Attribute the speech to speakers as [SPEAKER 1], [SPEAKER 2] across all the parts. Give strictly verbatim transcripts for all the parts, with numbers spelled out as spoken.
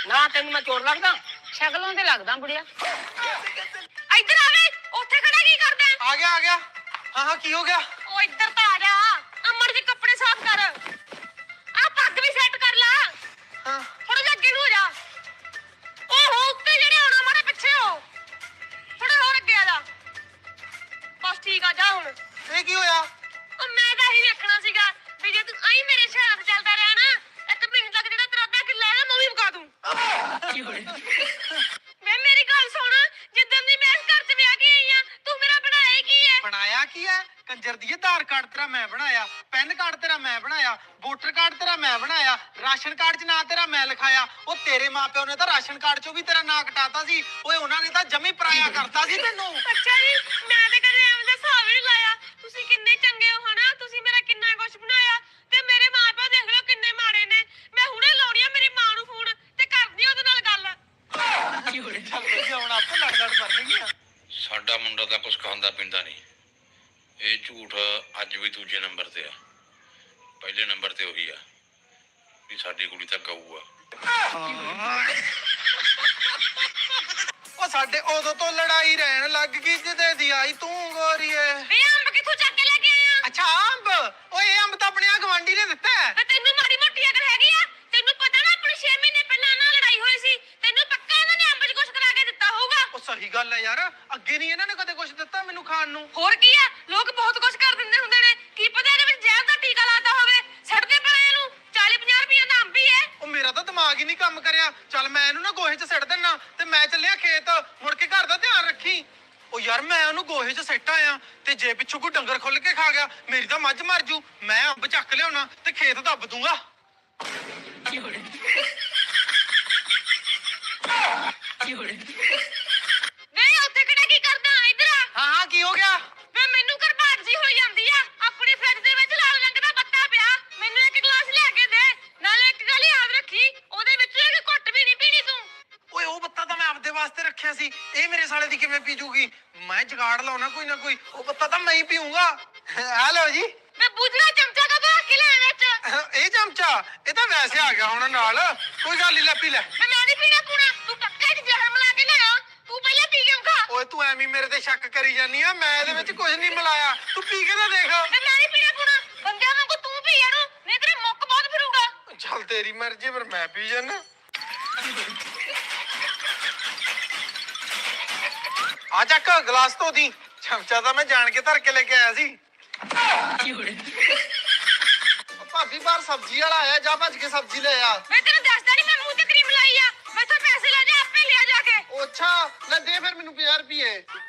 [SPEAKER 1] ना तेन मैं चोर लगदा?
[SPEAKER 2] शक्लों ते लगदा बुढ़िया।
[SPEAKER 3] इधर आ वे, ओथे खड़ा की करदा है?
[SPEAKER 4] आ गया आ गया। हाँ हाँ की हो गया?
[SPEAKER 3] ओ इधर तो आ जा। अमर जी कपड़े साफ कर। आ पग भी सेट कर ला।
[SPEAKER 4] हाँ
[SPEAKER 3] थोड़ा जा अगे हो जा। ओ हो उत्ते जेड़े होना मारे पीछे हो। थोड़ा और अगे आ जा। बस ठीक आ जा हुन।
[SPEAKER 4] ये की होया?
[SPEAKER 3] ओ मैं ਤਾਂ ਹੀ ਵੇਖਣਾ ਸੀਗਾ ਵੀ ਜੇ ਤੂੰ ਆਈ ਮੇਰੇ ਸ਼ਹਿਰ ਤੇ ਚੱਲਦਾ ਰਿਹਾ ਨਾ ਇੱਕ ਮਹੀਨੇ ਤੱਕ ਜਿਹੜਾ ਤੇਰਾ ਅੱਧਾ ਕਿੱਲਾ ਹੈ ਨਾ ਮੈਂ ਵੀ ਮੁਕਾ ਦੂੰ ਮੈਂ ਮੇਰੀ ਗੱਲ ਸੁਣ ਜਿੱਦਾਂ ਦੀ ਮੈਂ ਇਸ ਘਰ 'ਚ ਵਿਆਹ ਕੇ ਆਈ ਆ ਤੂੰ ਮੇਰਾ ਬਣਾਇਆ ਕੀ ਹੈ
[SPEAKER 4] ਬਣਾਇਆ ਕੀ ਹੈ? ਕੰਜਰ ਦੀ ਆਧਾਰ ਕਾਰਡ ਤੇਰਾ ਮੈਂ ਬਣਾਇਆ, ਪੈਨ ਕਾਰਡ ਤੇਰਾ ਮੈਂ ਬਣਾਇਆ, ਵੋਟਰ ਕਾਰਡ ਤੇਰਾ ਮੈਂ ਬਣਾਇਆ, ਰਾਸ਼ਨ ਕਾਰਡ 'ਚ ਨਾਂ ਤੇਰਾ ਮੈਂ ਲਿਖਾਇਆ। ਉਹ ਤੇਰੇ ਮਾਪਿਓ ਨੇ ਤਾਂ ਰਾਸ਼ਨ ਕਾਰਡ 'ਚੋਂ ਵੀ ਤੇਰਾ ਨਾਂ ਕਟਾਤਾ ਸੀ। ਓਏ ਉਹਨਾਂ ਨੇ ਤਾਂ ਜਮੀ ਪਰਾਇਆ ਕਰਤਾ ਸੀ ਤੈਨੂੰ।
[SPEAKER 3] ਅੱਛਾ ਜੀ ਮੈਂ ਤੇ ਕਦੇ ਐਵੇਂ ਦਾ ਹਿਸਾਬ ਹੀ ਨਹੀਂ ਲਾਇਆ ਤੁਸੀਂ ਕਿੰਨੇ ਚੰਗੇ ਹੋ ਹਨਾ ਤੁਸੀਂ ਮੇਰਾ ਕਿੰਨਾ ਕੁਝ ਬਣਾਇਆ ਤੇ ਮੇਰੇ ਮਾਪਿਓ ਦੇਖ ਲਓ ਕਿੰਨੇ ਮਾੜੇ ਨੇ ਮੈਂ ਹੁਣੇ ਲਾਉਣੀ ਆ ਮੇਰੀ ਮਾਂ ਨੂੰ ਫੋਨ ਤੇ ਕਰਦੀ ਉਹਦੇ ਨਾਲ ਗੱਲ
[SPEAKER 4] ਕੀ ਹੋਇਆ? ਚੱਲ ਵਧੀਆ ਹੁਣ ਆਪਾਂ ਲੜ ਲੜ ਮਰਨਗੀਆਂ।
[SPEAKER 5] ਸਾਡਾ ਮੁੰਡਾ ਤਾਂ ਕੁਛ ਖਾਂਦਾ ਪੀਂਦਾ ਨਹੀਂ। ਇਹ ਝੂਠ ਅੱਜ ਵੀ ਦੂਜੇ ਨੰਬਰ ਤੇ ਆ। ਪਹਿਲੇ ਨੰਬਰ ਤੇ ਉਹੀ ਆ ਵੀ ਸਾਡੀ ਕੁੜੀ ਤਾਂ ਗਊ ਆ।
[SPEAKER 4] ਉਹ ਸਾਡੇ ਉਦੋਂ ਤੋਂ ਲੜਾਈ ਰਹਿਣ ਲੱਗ ਗਈ ਜਿੱਦੇ ਦੀ ਆਈ ਤੂੰ ਗੋਰੀਏ।
[SPEAKER 3] ਵੇ ਅੰਬ ਕਿੱਥੋਂ ਚੱਕ ਕੇ ਲੈ ਕੇ ਆਇਆ
[SPEAKER 4] ਅੱਛਾ ਅੰਬ? ਓਏ ਇਹ ਅੰਬ ਤਾਂ ਆਪਣੇ ਆ ਗਵਾਂਢੀ ਨੇ ਦਿੱਤਾ ਹੈ।
[SPEAKER 3] ਵੇ ਤੈਨੂੰ ਮਾੜੀ ਮੋਟੀ ਅਕਲ ਹੈਗੀ ਆ ਤੈਨੂੰ ਪਤਾ ਨਾ ਆਪਣੀ ਛੇ ਮਹੀਨੇ ਪਹਿਲਾਂ ਨਾਲ ਲੜਾਈ ਹੋਈ ਸੀ ਤੈਨੂੰ ਪੱਕਾ ਇਹਨਾਂ ਨੇ ਅੰਬ 'ਚ ਕੁਝ ਕਰਾ ਕੇ ਦਿੱਤਾ ਹੋਊਗਾ
[SPEAKER 4] ਉਹ ਸਹੀ ਗੱਲ ਹੈ ਯਾਰ, ਅੱਗੇ ਨਹੀਂ ਇਹਨਾਂ ਨੇ ਕਦੇ ਕੁਝ ਦਿੱਤਾ ਮੈਨੂੰ ਖਾਣ ਨੂੰ।
[SPEAKER 3] ਹੋਰ ਕੀ ਆ ਲੋਕ ਬਹੁਤ ਕੁਝ ਕਰ ਦਿੰਦੇ ਹੁੰਦੇ ਨੇ ਕੀ ਪਤਾ ਇਹਦੇ ਵਿੱਚ ਜ਼ਹਿਰ ਦਾ ਟੀਕਾ ਲਾਤਾ ਹੋਵੇ ਛੱਡਦੇ ਪਏ ਇਹਨੂੰ ਚਾਲੀ ਪੰਜਾਹ ਰੁਪਏ ਦਾ ਅੰਬ ਹੀ ਹੈ
[SPEAKER 4] ਉਹ ਮੇਰਾ ਤਾਂ ਦਿਮਾਗ ਹੀ ਨਹੀਂ ਕੰਮ ਕਰਿਆ। ਚੱਲ ਮੈਂ ਇਹਨੂੰ ਨਾ ਗੋਹੇ 'ਚ ਸਿੱਟ ਦਿੰਨਾ ਤੇ ਮੈਂ ਚੱਲਿਆ ਖੇਤ, ਮੁੜ ਕੇ ਘਰ ਦਾ ਧਿਆਨ ਰੱਖੀ। ਉਹ ਯਾਰ ਮੈਂ ਉਹਨੂੰ ਗੋਹੇ 'ਚ ਸਿੱਟ ਆਇਆ ਤੇ ਜੇ ਪਿੱਛੋਂ ਕੋਈ ਡੰਗਰ ਖੁੱਲ ਕੇ ਖਾ ਗਿਆ ਮੇਰੀ ਤਾਂ ਮੱਝ ਮਰ ਜੂ। ਮੈਂ ਅੰਬ ਚੱਕ ਲਿਆਉਣਾ ਤੇ ਖੇਤ ਦੱਬ ਦੂੰਗਾ।
[SPEAKER 3] ਵੇ ਉੱਥੇ ਕਿਹੜਾ ਕੀ ਕਰਦਾ ਇੱਧਰ ਆ
[SPEAKER 4] ਹਾਂ ਹਾਂ ਕੀ ਹੋ ਗਿਆ?
[SPEAKER 3] ਵੇ ਮੈਨੂੰ ਘਰਬਾਟ ਜੀ ਹੋਈ ਜਾਂਦੀ ਆ ਆਪਣੀ ਫਰਿੱਜ ਦੇ ਵਿੱਚ ਲਾਲ ਰੰਗ ਦਾ ਬੱਤਾ ਪਿਆ ਮੈਨੂੰ ਇੱਕ ਗਲਾਸ ਲਿਆ ਕੇ ਦੇ ਨਾਲੇ ਇੱਕ ਗੱਲ ਯਾਦ ਰੱਖੀ ਉਹਦੇ ਵਿੱਚ ਇੱਕ ਘੁੱਟ ਵੀ ਨਹੀਂ ਪੀਣੀ ਤੂੰ
[SPEAKER 4] ਓਏ ਉਹ ਬੱਤਾ ਤਾਂ ਮੈਂ ਆਪਦੇ ਵਾਸਤੇ ਰੱਖਿਆ ਸੀ, ਇਹ ਮੇਰੇ ਸਾਲੇ ਦੀ ਕਿਵੇਂ ਪੀ ਜੂਗੀ? ਮੈਂ ਜਗਾੜ ਲਾਉਣਾ ਕੋਈ ਨਾ ਕੋਈ। ਉਹ ਬੱਤਾ ਤਾਂ ਮੈਂ ਹੀ ਪੀਊਂਗਾ। ਆ ਲਓ ਜੀ।
[SPEAKER 3] ਵੇ ਬੁਝਣਾ ਚਮਚਾ ਕਾ ਬਾ ਕੇ ਲੈ ਵਿੱਚ
[SPEAKER 4] ਇਹ ਚਮਚਾ ਇਹ ਤਾਂ ਵੈਸੇ ਆ ਗਿਆ ਹੁਣ ਨਾਲ, ਕੋਈ ਗੱਲ ਨਹੀਂ ਲੈ ਪੀ ਲੈ।
[SPEAKER 3] ਵੇ ਮੈਂ ਨਹੀਂ ਪੀਣਾ ਪੂਣਾ ਤੂੰ ਪੱਕਾ ਹੀ ਜ਼ਹਿਰ ਮਿਲਾ ਕੇ ਲਿਆ ਤੂੰ ਪਹਿਲਾਂ ਪੀ ਕੇ ਖਾ
[SPEAKER 4] ਓਏ ਤੂੰ ਐਵੇਂ ਮੇਰੇ ਤੇ ਸ਼ੱਕ ਕਰੀ ਜਾਨੀ ਆ, ਮੈਂ ਇਹਦੇ ਵਿੱਚ ਕੁਝ ਨਹੀਂ ਮਿਲਾਇਆ। ਤੂੰ ਪੀ ਕੇ ਤਾਂ ਦੇਖ।
[SPEAKER 3] ਵੇ ਮੈਂ ਨਹੀਂ ਪੀਣਾ ਪੂਣਾ ਬੰਦਿਆਂ ਵਾਂਗੂ ਤੂੰ ਪੀ ਇਹਨੂੰ ਨਹੀਂ ਤੇਰੇ ਮੁੱਕ ਬਹੁਤ ਫਿਰੂਗਾ
[SPEAKER 4] ਚੱਲ ਤੇਰੀ ਮਰਜ਼ੀ, ਪਰ ਮੈਂ ਪੀ ਜਾਨਾ। ਆ ਚੱਕ ਗਲਾਸ ਧੋ ਦੀ। ਚਮਚਾ ਤਾਂ ਮੈਂ ਜਾਣ ਕੇ ਧਰ ਕੇ ਲੈ ਕੇ ਆਇਆ ਸੀ। ਭਾਬੀ ਬਾਹਰ ਸਬਜ਼ੀ ਵਾਲਾ ਆਇਆ, ਜਾ ਭੱਜ ਕੇ ਸਬਜ਼ੀ ਲੈ ਆ।
[SPEAKER 3] ਮੈਂ ਤੈਨੂੰ ਦੱਸਦਾ ਨਹੀਂ ਮੈਂ ਮੂੰਹ ਤੇ ਕਰੀਮ ਲਾਈ ਆ ਮੈਥੋਂ ਪੈਸੇ ਲੈ ਜਾ ਆਪੇ ਲਿਆ ਜਾ ਕੇ
[SPEAKER 4] ਉਹ ਅੱਛਾ ਲੈ ਦੇ ਫਿਰ ਮੈਨੂੰ ਪੰਜਾਹ ਰੁਪਏ।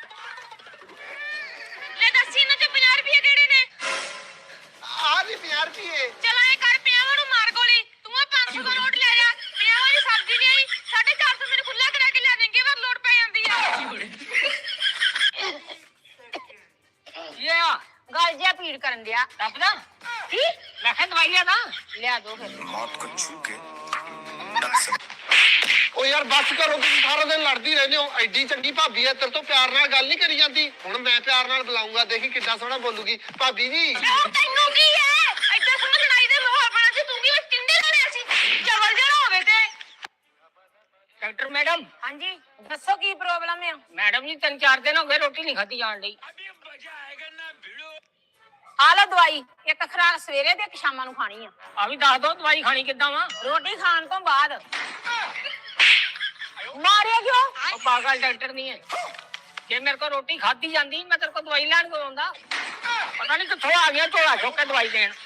[SPEAKER 3] ਲੈ ਦੱਸੀ ਇਹਨਾਂ ਚ ਪੰਜਾਹ ਰੁਪਏ ਕਿਹੜੇ ਨੇ
[SPEAKER 4] ਆ ਵੀ ਪੰਜਾਹ ਰੁਪਏ।
[SPEAKER 3] ਚਲ ਐ ਕਰ ਪੰਜਾਹਾਂ ਨੂੰ ਮਾਰ ਗੋਲੀ ਤੂੰ ਆ ਪੰਜ ਸੌ ਦਾ ਨੋਟ ਲੈ ਜਾ ਪੰਜਾਹਾਂ ਦੀ ਸਬਜ਼ੀ ਨਹੀਂ ਆਈ ਸਾਢੇ ਚਾਰ ਸੌ ਮੈਨੂੰ ਖੁੱਲਾ ਕਰਾ ਕੇ ਲਿਆ ਦੇਂਗੇ ਪਰ ਲੋੜ ਪੈ ਜਾਂਦੀ ਆ
[SPEAKER 1] ये आ
[SPEAKER 2] गल जिहा पीड़ करन दिया।
[SPEAKER 1] दबदा
[SPEAKER 2] की
[SPEAKER 1] मैं कह दवाई लिया ना
[SPEAKER 2] लिया दो फिर।
[SPEAKER 6] मौत को छू के
[SPEAKER 4] ਓ ਯਾਰ ਬੱਸ ਕਰੋ, ਤੁਸੀਂ ਸਾਰਾ ਦਿਨ ਲੜਦੀ ਰਹਿੰਦੇ ਹੋ। ਐਡੀ ਚੰਗੀ ਭਾਬੀ ਐ, ਤੇਰੇ ਤੋਂ ਪਿਆਰ ਨਾਲ ਗੱਲ ਨਹੀਂ ਕਰੀ ਜਾਂਦੀ। ਹੁਣ ਮੈਂ ਪਿਆਰ ਨਾਲ ਬੁਲਾਉਂਗਾ, ਦੇਖੀ ਕਿੱਦਾਂ ਸੋਹਣਾ ਬੋਲੂਗੀ। ਭਾਬੀ ਜੀ
[SPEAKER 3] ਉਹ ਤੈਨੂੰ ਕੀ ਹੈ ਐਡਾ ਸੋਹਣਾ ਲੜਾਈ ਦੇ ਮਾਹੌਲ ਬਣਾ ਸੀ ਤੂੰ ਕੀ ਬਸ ਟਿੰਡੇ ਲਾਣੇ ਸੀ ਚਵਲ ਜਿਹੜਾ ਹੋਵੇ ਤੇ
[SPEAKER 1] डॉक्टर मैडम
[SPEAKER 2] हाँ जी दसो की प्रॉब्लम है?
[SPEAKER 1] मैडम जी तीन चार दिन हो गए रोटी नहीं खाती जान दी।
[SPEAKER 2] आ लो दवाई, एक खुराक सवेरे ते एक शाम नूं खानी है।
[SPEAKER 1] अभी दस दो दवाई खानी किदा वा?
[SPEAKER 2] रोटी खान तो बाद। मारे क्यों?
[SPEAKER 1] ਉਹ ਪਾਗਲ ਡਾਕਟਰ ਨਹੀਂ ਹੈ। ਜੇ ਮੇਰੇ ਕੋ ਰੋਟੀ ਖਾਦੀ ਜਾਂਦੀ ਮੈਂ ਤੇਰੇ ਕੋ ਦਵਾਈ ਲੈਣ ਕੋ ਆਉਂਦਾ। ਪਤਾ ਨਹੀਂ ਕਿੱਥੋਂ ਆ ਗਿਆ ਝੋਲਾ ਚੁੱਕ ਕੇ ਦਵਾਈ ਦੇਣ।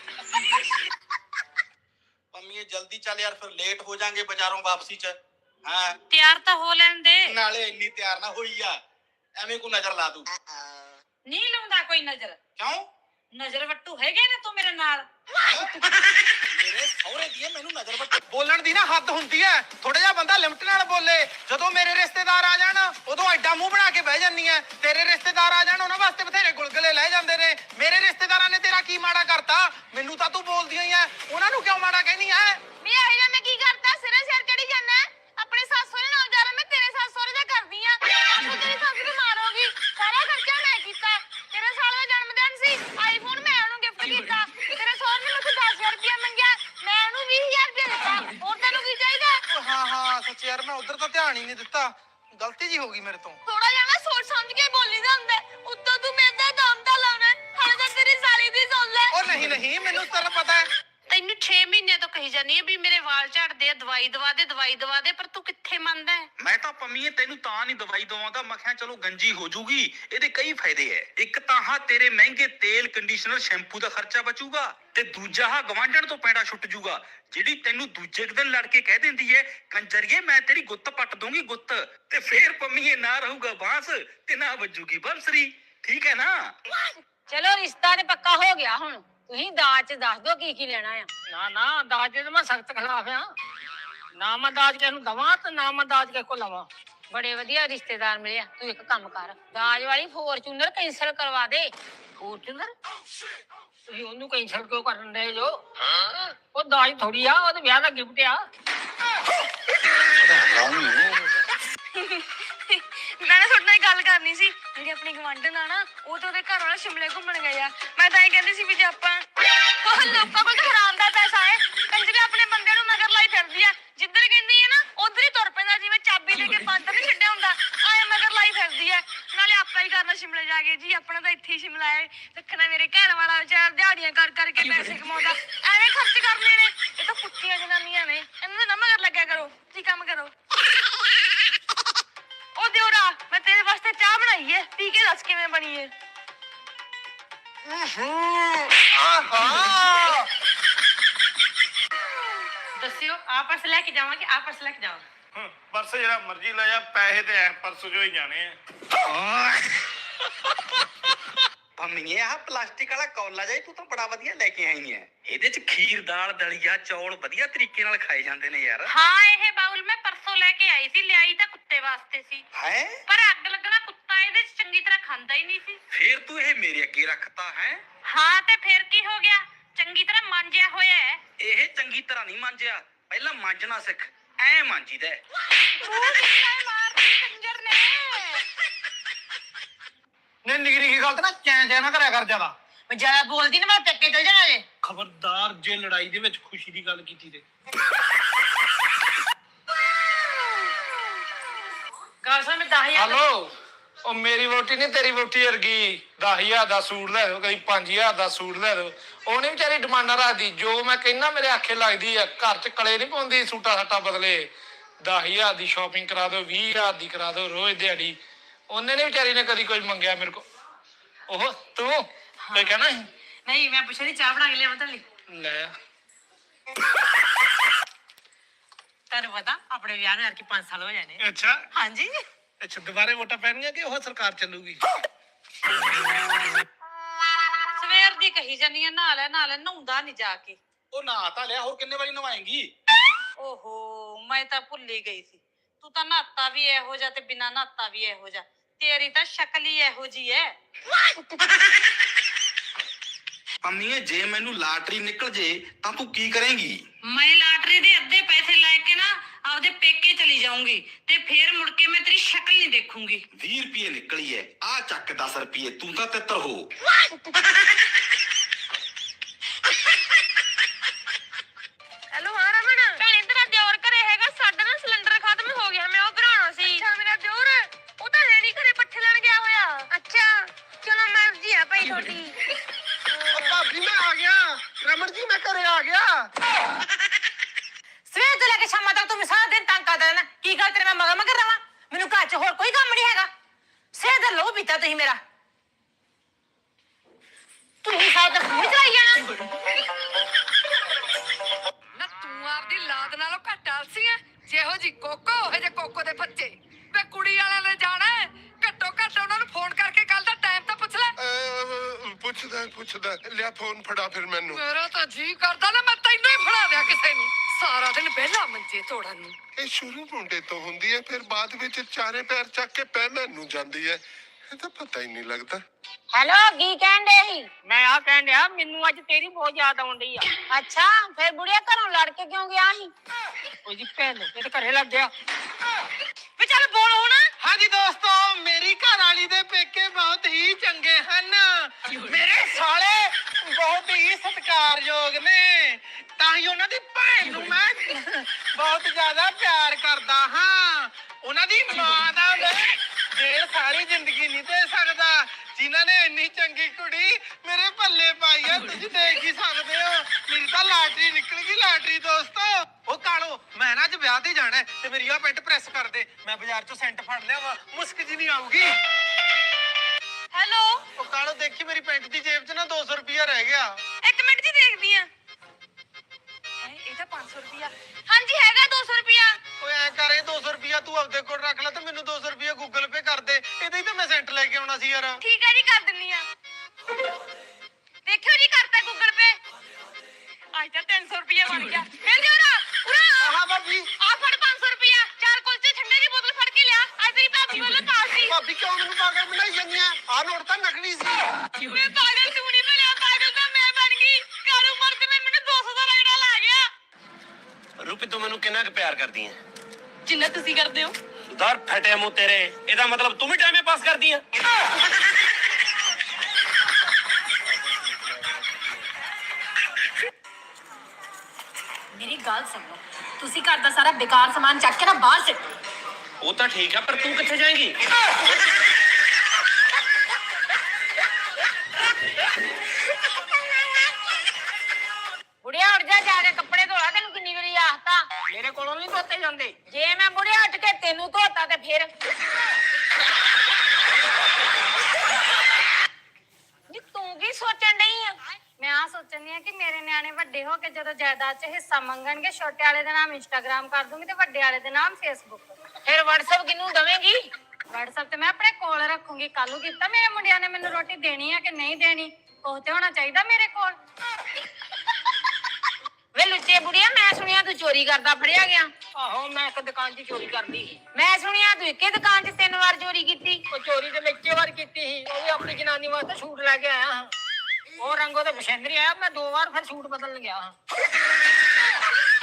[SPEAKER 7] ਪੰਮੀਏ ਜਲਦੀ ਚੱਲ ਯਾਰ ਫਿਰ ਲੇਟ ਹੋ ਜਾਾਂਗੇ ਬਾਜ਼ਾਰੋਂ ਵਾਪਸੀ ਚ। ਹਾਂ
[SPEAKER 3] ਤਿਆਰ ਤਾਂ ਹੋ ਲੈਣ ਦੇ
[SPEAKER 7] ਨਾਲੇ ਇੰਨੀ ਤਿਆਰ ਨਾ ਹੋਈ ਆ ਐਵੇਂ ਕੋ ਨਜ਼ਰ ਲਾ ਦੂ।
[SPEAKER 3] ਨਹੀਂ ਲਾਉਂਦਾ ਕੋਈ ਨਜ਼ਰ
[SPEAKER 7] ਕਿਉਂ?
[SPEAKER 3] ਨਜ਼ਰ ਵੱਟੂ ਹੈਗੇ ਨੇ ਤੂੰ ਮੇਰੇ ਨਾਲ
[SPEAKER 7] ਮੇਰੇ ਸਹੁਰੇ ਦੀ ਮੈਨੂੰ ਨਜ਼ਰ ਵੱਟ।
[SPEAKER 4] ਬੋਲਣ ਦੀ ਨਾ ਹੱਦ ਹੁੰਦੀ ਐ, ਥੋੜਾ ਜਿਹਾ ਬੰਦਾ ਲਿਮਟ ਨਾਲ ਬੋਲੇ। ਜਦੋਂ ਮੇਰੇ ਰਿਸ਼ਤੇਦਾਰ ਆ ਜਾਣ ਉਦੋਂ ਐਡਾ ਮੂੰਹ ਬਣਾ ਕੇ ਬਹਿ ਜਾਂਦੀ ਐ। ਤੇਰੇ ਰਿਸ਼ਤੇਦਾਰ ਆ ਜਾਣ ਉਹਨਾਂ ਵਾਸਤੇ ਬਥੇਰੇ ਗੁਲਗੁਲੇ ਲੈ ਜਾਂਦੇ ਨੇ। ਮੇਰੇ ਰਿਸ਼ਤੇਦਾਰਾਂ ਨੇ ਤੇਰਾ ਕੀ ਮਾੜਾ ਕਰਤਾ? ਮੈਨੂੰ ਤਾਂ ਤੂੰ ਬੋਲਦੀ ਹੀ ਐ, ਉਹਨਾਂ ਨੂੰ ਕਿਉਂ ਮਾੜਾ ਕਹਿੰਦੀ ਐ?
[SPEAKER 3] ਵੀ ਇਹ ਜਿਹਾ ਮੈਂ ਕੀ ਕਰਤਾ ਸਿਰੇ ਸਿਰ ਚੜੀ ਜਾਂਦਾ ਆਪਣੇ ਸੱਸ ਸਹੁਰੇ ਨਾਲ ਜਾ ਮੈਂ ਤੇਰੇ ਸੱਸ ਸਹੁਰੇ ਦਾ ਕਰਦੀ ਆ ਤੇਰੀ ਸੱਸ ਬਿਮਾਰ ਹੋ ਗਈ ਸਾਰਾ ਖਰਚਾ ਮੈਂ ਕੀਤਾ ਤੇਰੇ ਸਾਲ ਦਾ ਜਨਮ ਦਿਨ ਸੀ ਆਈਫੋਨ ਮੈਂ ਉਹਨੂੰ ਗਿਫਟ ਕੀਤਾ ਤੇਰੇ ਸਹੁਰੇ ਨੇ ਮੈਨੂੰ ਦਸ ਹਜ਼ਾਰ ਰੁਪਇਆ ਮੰਗਿਆ ਮੈਂ ਉਹਨੂੰ ਵੀਹ ਹਜ਼ਾਰ ਰੁਪਇਆ ਦਿੱਤਾ ਹੋਰ ਤੈਨੂੰ ਕੀ ਚਾਹੀਦਾ?
[SPEAKER 4] ਹਾਂ ਹਾਂ ਸੱਚ ਚ ਯਾਰ, ਮੈਂ ਉਧਰ ਤਾਂ ਧਿਆਨ ਹੀ ਨਹੀਂ ਦਿੱਤਾ। ਗਲਤੀ ਜੀ ਹੋ ਗਈ ਮੇਰੇ ਤੋਂ।
[SPEAKER 3] ਥੋੜਾ ਜਿਹਾ ਨਾ ਸੋਚ ਸਮਝ ਕੇ ਬੋਲੀ ਦਾ ਹੁੰਦਾ ਹੈ। ਉੱਤੋਂ ਤੂੰ ਮੇਰੇ ਦਾ ਦਮ ਤਾਂ ਲਾਉਣਾ ਹੈ। ਹਾਲੇ ਤਾਂ ਤੇਰੀ ਸਾਲੀ ਦੀ ਸੁਣ ਲੈ।
[SPEAKER 4] ਉਹ ਨਹੀਂ ਨਹੀਂ, ਮੈਨੂੰ ਸਾਰਾ ਪਤਾ ਹੈ।
[SPEAKER 6] ਤੈਨੂੰ ਛੇ ਮਹੀਨੇ ਤੋਂ ਕਹੀ ਜਾਨੀ ਆ ਵੀ ਮੇਰੇ ਵਾਲ ਝੜਦੇ ਆ, ਦਵਾਈ ਦਵਾ ਦੇ ਦਵਾਈ ਦਵਾ ਦੇ, ਪਰ ਤੂੰ ਕਿੱਥੇ ਮੰਨਦਾ ਹੈ?
[SPEAKER 7] ਮੈਂ ਤਾਂ ਪੰਮੀਏ ਤੈਨੂੰ ਤਾਂ ਨਹੀਂ ਦਵਾਈ ਦਵਾਉਂਦਾ, ਮੈਂ ਕਿਹਾ ਚਲੋ ਗੰਜੀ ਹੋ ਜੂਗੀ। ਇਹਦੇ ਕਈ ਫਾਇਦੇ ਐ। ਇੱਕ ਤਾਂ ਹਾਂ ਤੇਰੇ ਮਹਿੰਗੇ ਤੇਲ, ਕੰਡੀਸ਼ਨਰ, ਸ਼ੈਂਪੂ ਦਾ ਖਰਚਾ ਬਚੂਗਾ, ਤੇ ਦੂਜਾ ਹਾਂ ਗਵਾਂਢਣ ਤੋਂ ਪੈਂਡਾ ਛੁੱਟ ਜੂਗਾ। ਜਿਹੜੀ ਤੈਨੂੰ ਦੂਜੇ ਕੁ ਦਿਨ ਲੜ ਕੇ ਕਹਿ ਦਿੰਦੀ ਐ, ਕੰਜਰੀਏ ਮੈਂ ਤੇਰੀ ਗੁੱਤ ਪੱਟ ਦੂੰਗੀ ਗੁੱਤ, ਤੇ ਫੇਰ ਪੰਮੀਏ ਨਾ ਰਹੂਗਾ ਬਾਂਸ ਤੇ ਨਾ ਵੱਜੂਗੀ ਬੰਸਰੀ। ਠੀਕ ਹੈ ਨਾ?
[SPEAKER 2] ਚਲੋ ਰਿਸ਼ਤਾ ਤੇ ਪੱਕਾ ਹੋ ਗਿਆ। ਹੁਣ ਤੁਸੀਂ ਦਾਜ ਚ ਦੱਸ ਦਿਓ ਕੀ ਕੀ ਲੈਣਾ ਆ।
[SPEAKER 1] ਨਾ ਨਾ, ਦਾਜ ਦੇ ਤਾਂ ਮੈਂ ਸਖਤ ਖਿਲਾਫ ਆ। ਨਾ ਮੈਂ ਦਾਜ ਕਿਸੇ ਨੂੰ ਦਵਾਂ ਤੇ ਨਾ ਮੈਂ ਦਾਜ ਕਿਸੇ ਕੋ ਲਵਾਂ।
[SPEAKER 2] ਬੜੇ ਵਧੀਆ ਰਿਸ਼ਤੇਦਾਰ ਮਿਲਿਆ। ਤੂੰ ਇੱਕ ਕੰਮ ਕਰ, ਦਾਜ ਵਾਲੀ ਫੋਰਚੂਨਰ ਕੈਂਸਲ ਕਰਵਾ ਦੇ।
[SPEAKER 1] ਫੋਰਚੂਨਰ? ਤੁਸੀਂ ਉਹਨੂੰ ਕੈਂਸਲ ਕਿਉਂ ਕਰਨ ਦੇ ਜੋ? ਉਹ ਦਾਜ ਥੋੜੀ ਆ, ਉਹ ਤੇ ਵਿਆਹ ਦਾ ਗਿਫਟ ਆ।
[SPEAKER 3] ਮੈਂ ਨਾ ਤੁਹਾਡੇ ਨਾਲ ਗੱਲ ਕਰਨੀ ਸੀ। ਜਿਹੜੀ ਆਪਣੀ ਗਵਾਂਢਣ ਆ ਨਾ, ਉਹ ਤੇ ਉਹਦੇ ਘਰ ਵਾਲਾ ਸ਼ਿਮਲੇ ਘੁੰਮਣ ਗਏ ਆ। ਮੈਂ ਤਾਂ ਇਹ ਕਹਿੰਦੀ ਸੀ ਵੀ ਜੇ ਆਪਾਂ ਉਹ ਲੋਕਾਂ ਕੋਲ ਤਾਂ ਹਰਾਮ ਦਾ ਪੈਸਾ ਹੈ, ਕੰਜਰੀ ਆਪਣੇ ਬੰਦੇ ਨੂੰ ਮਗਰ ਲਾਈ ਫਿਰਦੀ ਆ। ਜਿੱਧਰ ਕਹਿੰਦੀ ਹੈ ਨਾ ਉਧਰ ਹੀ ਤੁਰ ਪੈਂਦਾ, ਜਿਵੇਂ ਚਾਬੀ ਦੇ ਕੇ ਬੰਦ ਨਹੀਂ ਛੱਡਿਆ ਹੁੰਦਾ, ਆਏ ਮਗਰ ਲਾਈ ਫਿਰਦੀ ਹੈ। ਨਾਲੇ ਆਪਾਂ ਹੀ ਕਰਨਾ ਸ਼ਿਮਲੇ ਜਾ ਕੇ ਜੀ, ਆਪਣਾ ਤਾਂ ਇੱਥੇ ਹੀ ਸ਼ਿਮਲਾ ਹੈ। ਰੱਖਣਾ ਮੇਰੇ ਘਰ ਵਾਲਾ ਵਿਚਾਰ ਦਿਹਾੜੀਆਂ ਕਰ ਕਰਕੇ ਪੈਸੇ ਕਮਾਉਂਦਾ, ਐਵੇਂ ਖਰਚ ਕਰਨੇ ਨੇ। ਇਹ ਤਾਂ ਕੁੱਤੀਆਂ ਜਨਾਨੀਆਂ ਨੇ, ਇਹਨਾਂ ਦੇ ਨਾ ਮਗਰ ਲੱਗਿਆ ਕਰੋ। ਤੁਸੀਂ ਕੰਮ ਕਰੋ। ਉਹ ਦਿਓਰਾ, ਮੈਂ ਤੇਰੇ ਵਾਸਤੇ ਚਾਹ ਬਣਾਈ ਹੈ, ਪੀ ਕੇ ਦੱਸ ਕਿਵੇਂ ਬਣੀ ਹੈ।
[SPEAKER 4] ਆਹਾ,
[SPEAKER 6] ਦੱਸਿਓ, ਆ ਪਰਸ ਲੈ ਕੇ ਜਾਵਾਂਗੇ, ਆ ਪਰਸ ਲੈ ਕੇ ਜਾਵਾਂ।
[SPEAKER 8] ਪਰਸ ਜਿਹੜਾ ਮਰਜ਼ੀ ਲੈ ਜਾ, ਪੈਸੇ ਤੇ ਐ ਪਰਸ ਜੋ ਹੀ ਜਾਣੇ ਆ।
[SPEAKER 7] ਪੰਮੀਏ ਆਹ ਪਲਾਸਟਿਕ ਵਾਲਾ ਕੌਲਾ ਜਾਈ ਤੂੰ ਤਾਂ ਬੜਾ ਵਧੀਆ ਲੈ ਕੇ ਆਈ ਐ। ਇਹਦੇ ਚ ਖੀਰ, ਦਾਲ, ਦਲੀਆ, ਚੌਲ ਵਧੀਆ ਤਰੀਕੇ ਨਾਲ ਖਾਏ ਜਾਂਦੇ ਨੇ ਯਾਰ।
[SPEAKER 6] ਹਾਂ, ਇਹ ਬਾਉਲ ਮੈਂ ਪਰਸੋਂ ਲੈ ਕੇ ਆਈ ਸੀ, ਲਿਆਈ ਤਾਂ ਕੁੱਤੇ ਵਾਸਤੇ ਸੀ,
[SPEAKER 7] ਹੈ
[SPEAKER 6] ਪਰ ਅੱਗ ਲੱਗਣਾ ਕੁੱਤਾ ਇਹਦੇ ਚ ਚੰਗੀ ਤਰ੍ਹਾਂ ਖਾਂਦਾ ਹੀ ਨਹੀਂ ਸੀ।
[SPEAKER 7] ਫੇਰ ਤੂੰ ਇਹ ਮੇਰੇ ਅੱਗੇ ਰੱਖਤਾ ਹੈ?
[SPEAKER 6] ਹਾਂ, ਤੇ ਫੇਰ ਕੀ ਹੋ ਗਿਆ? ਚੰਗੀ ਤਰ੍ਹਾਂ ਮਾਂਜਿਆ ਹੋਇਆ ਹੈ।
[SPEAKER 7] ਇਹ ਚੰਗੀ ਤਰ੍ਹਾਂ ਨਹੀਂ ਮਾਂਜਿਆ, ਪਹਿਲਾਂ ਮਾਂਜਣਾ ਸਿੱਖ। ਐ ਮਾਂਜੀਦਾ ਹੈ।
[SPEAKER 4] ਨੇ ਨਿੱਕੀ ਨਿੱਕੀ ਗੱਲ ਤੇ ਨਾ ਚੈਂ ਚੈਂ ਨਾ ਕਰਿਆ ਕਰ ਜ਼ਿਆਦਾ।
[SPEAKER 2] ਮੈਂ ਜ਼ਿਆਦਾ ਬੋਲਦੀ ਨਾ, ਮੈਂ ਪੇਕੇ ਚਲ ਜਾਣਾ ਜੇ।
[SPEAKER 8] ਖਬਰਦਾਰ ਜੇ ਲੜਾਈ ਦੇ ਵਿੱਚ ਖੁਸ਼ੀ ਦੀ ਗੱਲ ਕੀਤੀ ਤੇ।
[SPEAKER 6] ਗੱਲ ਸੁਣ, ਮੈਂ ਦਸ ਹਜ਼ਾਰ
[SPEAKER 9] ਹੈਲੋ, ਉਹ ਮੇਰੀ ਵੋਟੀ ਨਹੀਂ ਤੇਰੀ ਵੋਟੀ ਵਰਗੀ। ਦਸ ਹਜ਼ਾਰ ਦਾ ਸੂਟ ਲੈ ਦਿਓ, ਕਦੀ ਪੰਜ ਹਜ਼ਾਰ ਦਾ ਸੂਟ ਲੈ ਦਿਓ। ਉਹ ਨਹੀਂ ਵਿਚਾਰੀ ਡਿਮਾਂਡਾਂ ਰੱਖਦੀ, ਜੋ ਮੈਂ ਕਹਿੰਦਾ ਮੇਰੇ ਆਖੇ ਲੱਗਦੀ ਆ। ਘਰ ਚ ਕਲੇ ਨਹੀਂ ਪਾਉਂਦੀ ਸੂਟਾ ਸਾਟਾ ਬਦਲੇ। ਦਸ ਹਜ਼ਾਰ ਦੀ ਸ਼ਾਪਿੰਗ ਕਰਾ ਦਿਓ, ਵੀਹ ਹਜ਼ਾਰ ਦੀ ਕਰਾ ਦਿਓ ਰੋਜ਼ ਦਿਹਾੜੀ। ਉਹਨੇ ਨੇ ਵਿਚਾਰੀ ਨੇ ਕਦੀ ਕੁਝ ਮੰਗਿਆ ਮੇਰੇ ਕੋਲ। ਉਹ ਤੂੰ ਕੋਈ ਕਹਿਣਾ ਸੀ?
[SPEAKER 6] ਨਹੀਂ, ਮੈਂ ਪੁੱਛਿਆ ਚਾਹ ਬਣਾ ਕੇ ਲਿਆਵਾਂ ਤੁਹਾਡੇ ਲਈ।
[SPEAKER 9] ਲੈ
[SPEAKER 6] ਤੁਹਾਨੂੰ ਪਤਾ ਆਪਣੇ ਵਿਆਹ ਨੂੰ ਯਾਰ ਕਿ ਪੰਜ ਸਾਲ ਹੋ ਜਾਣੇ।
[SPEAKER 8] ਅੱਛਾ
[SPEAKER 6] ਹਾਂਜੀ,
[SPEAKER 8] ਅੱਛਾ, ਦੁਬਾਰੇ ਵੋਟਾਂ ਪੈਣਗੀਆਂ ਕਿ ਉਹ ਸਰਕਾਰ ਚੱਲੂਗੀ?
[SPEAKER 6] ਸਵੇਰ ਦੀ ਕਹੀ ਜਾਨੀ ਆ ਨਹਾ ਲੈ ਨਹਾ ਲੈ, ਨਹਾਉਂਦਾ ਨਹੀਂ ਜਾ ਕੇ।
[SPEAKER 7] ਉਹ ਨਹਾ ਤਾਂ ਲਿਆ, ਹੋਰ ਕਿੰਨੇ ਵਾਰੀ ਨਵਾਏਂਗੀ?
[SPEAKER 6] ਓਹੋ, ਮੈਂ ਤਾਂ ਭੁੱਲ ਹੀ ਗਈ ਸੀ। ਤੂੰ ਤਾਂ ਨਹਾਤਾ ਵੀ ਇਹੋ ਜਿਹਾ ਤੇ ਬਿਨਾਂ ਨਹਾਤਾ ਵੀ ਇਹੋ ਜਿਹਾ। ਤੇਰੀ ਤਾਂ ਸ਼ਕਲ ਹੀ ਇਹੋ ਜੀ ਹੈ।
[SPEAKER 7] ਪੰਮੀਏ ਜੇ ਮੈਨੂੰ ਲਾਟਰੀ ਨਿਕਲ ਜੇ ਤਾਂ ਤੂੰ ਕੀ ਕਰੇਂਗੀ?
[SPEAKER 6] ਮੈਂ ਲਾਟਰੀ ਦੇ ਅੱਧੇ ਪੈਸੇ ਲੈ ਕੇ ਨਾ ਆਪਦੇ ਪੇਕੇ ਚਲੀ ਜਾਊਂਗੀ, ਤੇ ਫੇਰ ਮੁੜ ਕੇ ਮੈਂ ਤੇਰੀ ਸ਼ਕਲ ਨਹੀਂ ਦੇਖੂੰਗੀ।
[SPEAKER 7] ਵੀਹ ਰੁਪਏ ਨਿਕਲੀ ਐ, ਆ ਚੱਕ ਦਸ ਰੁਪਏ, ਤੂੰ ਤਾਂ ਤਿੱਤਰ ਹੋ।
[SPEAKER 3] ਹੈਲੋ, ਹਾਂ ਰਮਨ ਭੈਣੇ, ਤੇਰਾ ਦਿਓਰ ਘਰੇ ਹੈਗਾ? ਸਾਡਾ ਨਾ ਸਿਲੰਡਰ ਖਤਮ ਹੋ ਗਿਆ, ਮੈਂ ਉਹ ਭਰਾਉਣਾ ਸੀ। ਅੱਛਾ, ਮੇਰਾ ਦਿਓਰ ਉਹ ਤਾਂ ਹੈ ਨਹੀਂ ਘਰੇ, ਪੱਠੇ ਲੈਣ ਗਿਆ ਹੋਇਆ। ਅੱਛਾ, ਚਲੋ ਮਰਜ਼ੀ ਆ ਭਾਈ ਤੁਹਾਡੀ।
[SPEAKER 4] ਭਾਬੀ ਮੈਂ ਆ ਗਿਆ। ਰਮਨ ਜੀ ਮੈਂ ਘਰੇ ਆ ਗਿਆ।
[SPEAKER 2] ਸਵੇਰ ਤੋਂ ਲੈ ਕੇ ਸ਼ਾਮਾਂ ਤੱਕ ਤੂੰ ਸਾਰਾ ਦਿਨ ਤੰਗ ਕਰਦਾ ਰਹਿਣਾ। ਕੀ ਗੱਲ ਤੇਰੇ ਮੈਂ ਮਗਰ ਮਗਰ ਰਵਾਂ? ਮੈਨੂੰ ਘਰ 'ਚ ਹੋਰ ਕੋਈ ਕੰਮ ਨਹੀਂ ਹੈਗਾ। ਸਿਰ ਦਾ ਲੋਹ ਪੀਤਾ ਤੁਸੀਂ ਮੇਰਾ। ਤੁਸੀਂ ਸਾਰਾ ਦਿਨ ਫੋਨ ਚਲਾਈ ਜਾਣਾ।
[SPEAKER 10] ਨਾ ਤੂੰ ਆਪਦੀ ਲਾਦ ਨਾਲੋਂ ਘੱਟ ਆਲਸੀ ਐ। ਜਿਹੋ ਜੀ ਕੋਕੋ ਉਹ ਜੇ ਕੋਕੋ ਦੇ ਬੱਚੇ। ਵੇ ਕੁੜੀ ਵਾਲਿਆਂ ਨੇ ਜਾਣਾ ਹੈ, ਘੱਟੋ ਘੱਟ ਉਹਨਾਂ ਨੂੰ ਫੋਨ ਕਰਕੇ ਕੱਲ ਦਾ ਟਾਈਮ ਤਾਂ ਪੁੱਛ ਲੈ।
[SPEAKER 8] ਪੁੱਛਦਾ ਪੁੱਛਦਾ ਲਿਆ ਫੋਨ ਫੜਾ ਫਿਰ ਮੈਨੂੰ।
[SPEAKER 10] ਮੇਰਾ ਤਾਂ ਜੀ ਕਰਦਾ ਨਾ ਮੈਂ ਤੈਨੂੰ ਹੀ ਫੜਾ ਦਿਆਂ ਕਿਸੇ ਨੂੰ। ਸਾਰਾ ਦਿਨ ਵਿਹਲਾ ਮੰਜੇ ਤੋੜਨ ਨੂੰ।
[SPEAKER 8] ਇਹ ਸ਼ੁਰੂ ਮੁੰਡੇ ਤੋਂ ਹੁੰਦੀ ਹੈ, ਫਿਰ ਬਾਅਦ ਵਿੱਚ ਚਾਰੇ ਪੈਰ ਚੱਕ ਕੇ ਪਹਿਨਣ ਨੂੰ ਜਾਂਦੀ ਹੈ। ਇਹ ਤਾਂ ਪਤਾ ਹੀ ਨਹੀਂ ਲੱਗਦਾ।
[SPEAKER 2] ਹੈਲੋ, ਕੀ ਕਹਿਣ ਦੇ ਸੀ?
[SPEAKER 1] ਮੈਂ ਆ ਕਹਿਣ ਡਿਆ, ਮੈਨੂੰ ਅੱਜ ਤੇਰੀ ਬਹੁਤ ਯਾਦ ਆਉਣ ਡਈ ਆ।
[SPEAKER 2] ਅੱਛਾ, ਫਿਰ ਬੁੜੀਆ ਘਰੋਂ ਲੜ ਕੇ ਕਿਉਂ ਗਿਆ ਸੀ?
[SPEAKER 1] ਉਹਦੀ ਭੈਣ ਇਹ ਤਾਂ ਘਰੇ ਲੱਗ ਗਿਆ।
[SPEAKER 2] ਵੇ ਚੱਲ ਬੋਲ ਹੁਣ।
[SPEAKER 4] ਹਾਂਜੀ ਦੋਸਤੋ, ਮੇਰੀ ਘਰ ਵਾਲੀ ਦੇ ਪੇਕੇ ਬਹੁਤ ਹੀ ਚੰਗੇ ਹਨ। ਮੇਰੇ ਸਾਲੇ ਬਹੁਤ ਹੀ ਸਤਿਕਾਰਯੋਗ ਨੇ। ਤਾਂ ਹੀ ਉਹਨਾਂ ਦੀ ਭੈਣ ਨੂੰ ਮੈਂ ਬਹੁਤ ਜ਼ਿਆਦਾ ਪਿਆਰ ਕਰਦਾ ਹਾਂ। ਉਹਨਾਂ ਦੀ ਮਾਂ ਦਾ ਮੈਂ ਦਿਲ ਸਾਰੀ ਜ਼ਿੰਦਗੀ ਨਹੀਂ ਦੇ ਸਕਦਾ, ਜਿਨ੍ਹਾਂ ਨੇ ਇੰਨੀ ਚੰਗੀ ਕੁੜੀ ਮੇਰੇ ਪੱਲੇ ਪਾਈ ਆ। ਤੁਸੀਂ ਦੇਖ ਹੀ ਸਕਦੇ ਹੋ, ਮੇਰੀ ਤਾਂ ਲਾਟਰੀ ਨਿਕਲ ਗਈ, ਲਾਟਰੀ ਦੋਸਤੋ। ਉਹ ਕਾਲੋ, ਮੈਂ ਨਾ ਅੱਜ ਵਿਆਹ ਤੇ ਜਾਣਾ ਤੇ ਮੇਰੀ ਆ ਪੈਂਟ ਪ੍ਰੈਸ ਕਰ ਦੇ। ਮੈਂ ਬਾਜ਼ਾਰ ਚੋਂ ਸੈਂਟ ਫੜ ਲਿਆ ਵਾ, ਮੁਸਕ ਜੀ ਨਹੀਂ ਆਊਗੀ।
[SPEAKER 3] ਹੈਲੋ,
[SPEAKER 4] ਉਹ ਕਾਲੋ ਦੇਖੀ ਮੇਰੀ ਪੈਂਟ ਦੀ ਜੇਬ 'ਚ ਨਾ ਦੋ ਸੌ ਰੁਪਇਆ ਰਹਿ ਗਿਆ।
[SPEAKER 3] ਇੱਕ ਮਿੰਟ ਜੀ ਦੇਖਦੀ ਆ। ਇਹ ਤਾਂ ਪੰਜ ਸੌ ਰੁਪਇਆ। ਹਾਂਜੀ ਹੈਗਾ ਦੋ ਸੌ ਰੁਪਇਆ।
[SPEAKER 4] ਓਏ ਐ ਕਰ, ਇਹ ਦੋ ਸੌ ਰੁਪਇਆ ਤੂੰ ਆਪਦੇ ਕੋਲ ਰੱਖ ਲੈ ਤੇ ਮੈਨੂੰ ਦੋ ਸੌ ਰੁਪਇਆ ਗੂਗਲ ਪੇ ਕਰ ਦੇ। ਇਹਦੇ ਹੀ ਤਾਂ ਮੈਂ ਸੈਂਟ ਲੈ ਕੇ ਆਉਣਾ ਸੀ ਯਾਰ।
[SPEAKER 3] ਠੀਕ ਹੈ ਜੀ, ਕਰ ਦਿੰਨੀ ਆ। ਦੇਖਿਓ ਜੀ, ਕਰਤਾ ਗੂਗਲ ਪੇ। ਅੱਜ ਤਾਂ ਤਿੰਨ ਸੌ ਰੁਪਇਆ ਬਣ ਗਿਆ। ਮਿਲ ਜਾ ਉਰਾ ਉਰਾ।
[SPEAKER 4] ਹਾਂ ਭਾਬੀ।
[SPEAKER 3] ਆ ਫੜ ਪੰਜ ਸੌ ਰੁਪਇਆ, ਚਾਰ ਕੁਲਚੇ ਠੰਡੇ ਦੀ ਬੋਤਲ ਫੜ ਕੇ ਲਿਆ। ਅੱਜ ਤੇਰੀ ਭਾਬੀ ਵੱਲੋਂ ਪਾਰਟੀ।
[SPEAKER 4] ਭਾਬੀ ਕਿਉਂ ਮੈਨੂੰ ਪਾਗਲ ਬਣਾਈ ਜਾਂਦੀ ਆ? ਆਹ ਨੋਟ ਤਾਂ ਨਕਲੀ ਸੀ।
[SPEAKER 3] ਮੈਂ ਪਾਗਲ ਤੂੰ ਨਹੀਂ ਬਣਿਆ, ਪਾਗਲ ਤਾਂ ਮੈਂ ਬਣ ਗਈ। ਕਾਲੂ ਮਰ ਤੇ ਮੈਨੂੰ ਦੋ ਸੌ ਦਾ ਰਗੜਾ ਲਾ ਗਿਆ।
[SPEAKER 11] ਰੂਪੀ ਤੂੰ ਮੈਨੂੰ ਕਿੰਨਾ ਕੁ ਪਿਆਰ ਕਰਦੀ ਹੈ?
[SPEAKER 3] ਜਿੰਨਾ ਤੁਸੀਂ ਕਰਦੇ ਹੋ।
[SPEAKER 11] ਦਰ ਫਟੇ ਮੂੰਹ ਤੇਰੇ, ਇਹਦਾ ਮਤਲਬ ਤੂੰ ਵੀ ਟਾਈਮੇ ਪਾਸ ਕਰਦੀ ਆ?
[SPEAKER 2] ਮੇਰੀ ਗੱਲ ਸੁਣੋ, ਤੁਸੀਂ ਘਰ ਦਾ ਸਾਰਾ ਬੇਕਾਰ ਸਮਾਨ ਚੱਕ ਕੇ ਨਾ ਬਾਹਰ ਸਿੱਟੋ।
[SPEAKER 11] ਉਹ ਤਾਂ ਠੀਕ ਆ, ਪਰ ਤੂੰ ਕਿੱਥੇ ਜਾਏਂਗੀ?
[SPEAKER 2] ਬੁੜਿਆ ਉੱਠ ਜਾ, ਜਾ ਕੇ ਕੱਪੜੇ ਧੋਲਾ। ਤੈਨੂੰ ਕਿੰਨੀ ਵਾਰੀ ਆਖਤਾ,
[SPEAKER 1] ਮੇਰੇ ਕੋਲੋਂ ਨਹੀਂ ਧੋਤੇ ਜਾਂਦੇ।
[SPEAKER 2] ਜੇ ਮੈਂ ਬੁੜਿਆ ਉੱਠ ਕੇ ਤੈਨੂੰ ਧੋਤਾ ਤੇ ਫਿਰ ਨੀ ਤੂੰ ਕੀ ਸੋਚਣ ਡਈ ਆ?
[SPEAKER 3] ਮੈਂ ਆ ਸੋਚਣੀ ਆ ਕਿ ਮੇਰੇ ਨਿਆਣੇ ਵੱਡੇ ਹੋ ਕੇ ਜਦੋਂ ਜਾਇਦਾਦ 'ਚ ਹਿੱਸਾ ਮੰਗਣਗੇ, ਛੋਟੇ ਵਾਲੇ ਦੇ ਨਾਮ ਇੰਸਟਾਗ੍ਰਾਮ ਕਰ ਦੂੰਗੀ ਤੇ ਵੱਡੇ ਵਾਲੇ ਦੇ ਨਾਮ ਫੇਸਬੁੱਕ।
[SPEAKER 2] ਫਿਰ WhatsApp ਕਿਹਨੂੰ ਦਵੇਂਗੀ?
[SPEAKER 3] WhatsApp ਤੇ ਮੈਂ ਆਪਣੇ ਕੋਲ ਰੱਖੂੰਗੀ। ਕੱਲ ਨੂੰ ਕੀਤਾ ਮੇਰੇ ਮੁੰਡਿਆਂ ਨੇ ਮੈਨੂੰ ਰੋਟੀ ਦੇਣੀ ਆ ਕਿ ਨਹੀਂ ਦੇਣੀ, ਉਹ ਤੇ ਹੋਣਾ ਚਾਹੀਦਾ ਮੇਰੇ ਕੋਲ।
[SPEAKER 2] ਵੇ ਲੁੱਟੇ ਬੁੜਿਆ, ਮੈਂ ਸੁਣਿਆ ਤੂੰ ਚੋਰੀ ਕਰਦਾ ਫੜਿਆ ਗਿਆ।
[SPEAKER 1] ਆਹੋ, ਮੈਂ ਇੱਕ ਦੁਕਾਨ 'ਚ ਚੋਰੀ ਕਰਦੀ ਸੀ।
[SPEAKER 2] ਮੈਂ ਸੁਣਿਆ ਤੂੰ ਇੱਕੇ ਦੁਕਾਨ 'ਚ ਤਿੰਨ ਵਾਰ ਚੋਰੀ ਕੀਤੀ।
[SPEAKER 1] ਉਹ ਚੋਰੀ ਤੇ ਮੈਂ ਇੱਕੇ ਵਾਰ ਕੀਤੀ ਸੀ, ਉਹ ਵੀ ਆਪਣੀ ਜਨਾਨੀ ਵਾਸਤੇ ਸੂਟ ਲੈ ਕੇ ਆਇਆ ਹਾਂ। ਉਹ ਰੰਗੋ ਤੇ ਪਸੰਦ ਨਹੀਂ ਆਇਆ, ਮੈਂ ਦੋ ਵਾਰ ਫਿਰ ਸੂਟ ਬਦਲਣ ਗਿਆ ਹਾਂ।